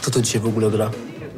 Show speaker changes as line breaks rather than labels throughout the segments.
Kto to dzisiaj w ogóle gra?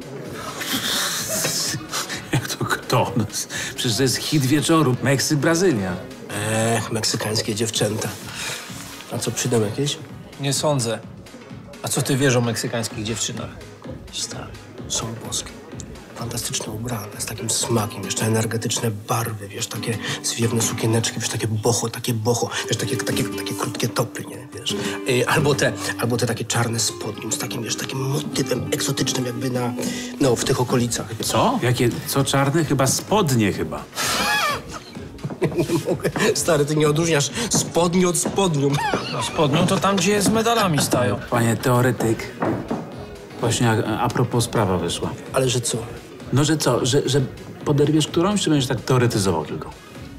Jak to kto? No, przecież to jest hit wieczoru. Meksyk, Brazylia.
Meksykańskie dziewczęta. A co, przyjdą jakieś?
Nie sądzę. A co ty wiesz o meksykańskich dziewczynach?
Stary, są boskie. Fantastycznie ubrane, z takim smakiem, jeszcze energetyczne barwy, wiesz, takie zwiewne sukieneczki, wiesz, takie boho, wiesz, takie krótkie topy, nie, wiesz. Albo te takie czarne spodnie z takim, wiesz, takim motywem egzotycznym jakby w tych okolicach.
Co? Jakie, co czarne? Chyba spodnie chyba.
Nie mogę. Stary, ty nie odróżniasz spodni od spodniu.
No spodnią to tam, gdzie z medalami stają.
Panie teoretyk. Właśnie a propos sprawa wyszła.
Ale że co?
No, że co? Że poderwiesz którąś, czy będziesz tak teoretyzował tylko?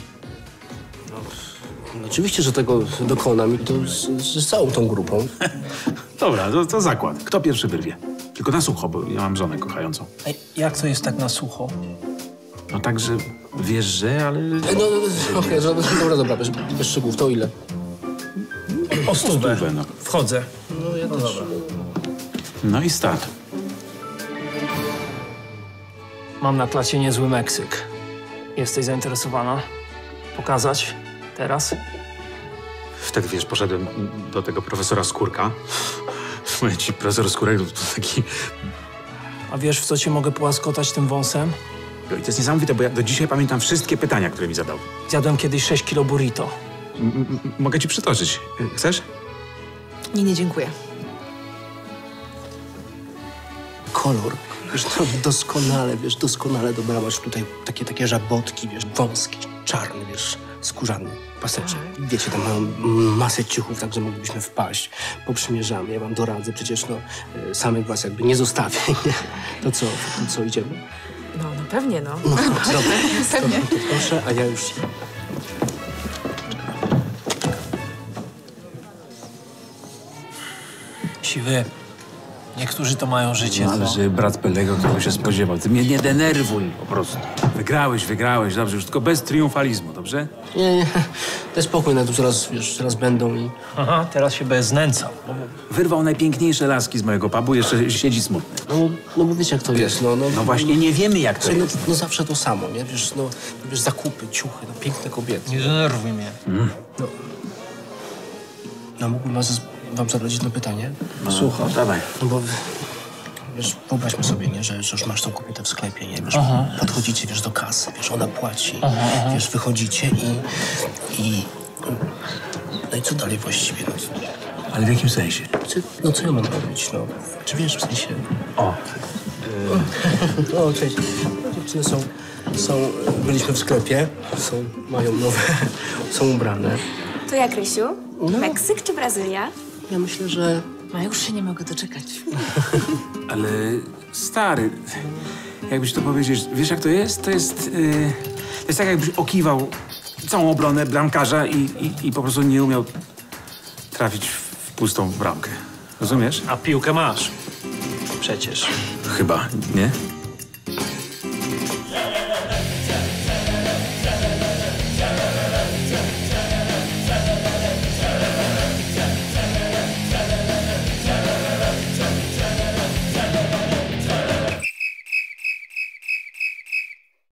No, oczywiście, że tego dokonam i to z całą tą grupą.
Dobra, to zakład. Kto pierwszy wyrwie? Tylko na sucho, bo ja mam żonę kochającą.
Ej, jak to jest tak na sucho?
No tak, że wiesz, że, ale...
Okej, dobra, bez szczegółów. To ile?
O stówę.
No.
Wchodzę.
No ja też.
Dobra.
No i start.
Mam na klasie niezły Meksyk. Jesteś zainteresowana? Pokazać? Teraz?
Wtedy, wiesz, poszedłem do tego profesora Skórka. Mówię ci, profesor Skórek to taki...
A wiesz, w co cię mogę połaskotać tym wąsem?
I to jest niesamowite, bo ja do dzisiaj pamiętam wszystkie pytania, które mi zadał.
Zjadłem kiedyś 6 kilo burrito.
Mogę ci przytoczyć. Chcesz?
Nie, dziękuję.
Kolor. Wiesz, no, doskonale dobrałaś tutaj takie żabotki, wiesz, wąskie, czarne, wiesz, skórzane paseczek. Wiecie, tam mają masę ciuchów, tak, że moglibyśmy wpaść. Poprzymierzamy, ja wam doradzę, przecież no, samych was jakby nie zostawię, nie? To co, idziemy?
No pewnie, no.
No, dobra,
Pewnie.
to proszę, a ja już...
Siwy. Niektórzy to mają życie,
No, ale
co?
że brat Pelego tego się spodziewał. Ty mnie nie denerwuj po prostu. Wygrałeś, dobrze, już tylko bez triumfalizmu, dobrze?
Nie, daj spokój, no tu zaraz będą i...
Aha, teraz się bez znęcał.
Wyrwał najpiękniejsze laski z mojego pubu, jeszcze siedzi smutny.
No bo wiecie, jak to jest, no.
No właśnie, nie wiemy jak to
Słuchaj,
jest.
no zawsze to samo, nie? Wiesz, zakupy, ciuchy, no piękne kobiety.
Nie denerwuj mnie.
No mógłbym wam zadać jedno pytanie?
Słucham, dawaj.
No bo, wiesz, wyobraźmy sobie, nie, że już masz tą kobietę w sklepie, nie, wiesz, podchodzicie, wiesz, do kasy, wiesz, ona płaci, wiesz, wychodzicie i... No i co dalej właściwie?
Ale w jakim sensie?
No co ja mam robić, no? Czy wiesz, w sensie...
O.
O, cześć. Dziewczyny byliśmy w sklepie, mają nowe, są ubrane.
To jak, Rysiu? Meksyk czy Brazylia?
Ja myślę, że...
No już się nie mogę doczekać.
Ale stary, jakbyś to powiedzieć, wiesz jak to jest? To jest tak jakbyś okiwał całą obronę bramkarza i po prostu nie umiał trafić w pustą bramkę. Rozumiesz?
A piłkę masz. Przecież.
Chyba, nie?